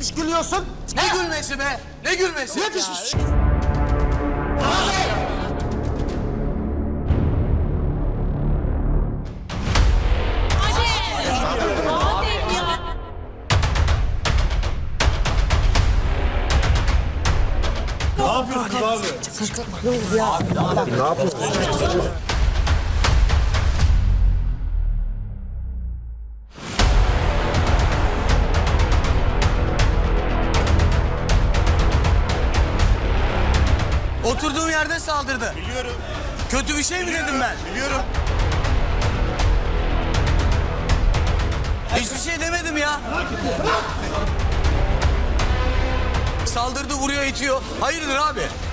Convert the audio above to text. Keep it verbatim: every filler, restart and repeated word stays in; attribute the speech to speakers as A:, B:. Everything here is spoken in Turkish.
A: piş gülüyorsun?
B: Ne gülmesi be? Ne gülmesi?
A: Ne piş piş?
C: Ne yapıyorsun abi?
B: Oturduğum yerde saldırdı.
C: Biliyorum.
B: Kötü bir şey mi dedim ben?
C: Biliyorum.
B: Hiçbir şey demedim ya. Saldırdı, vuruyor, itiyor. Hayırdır abi?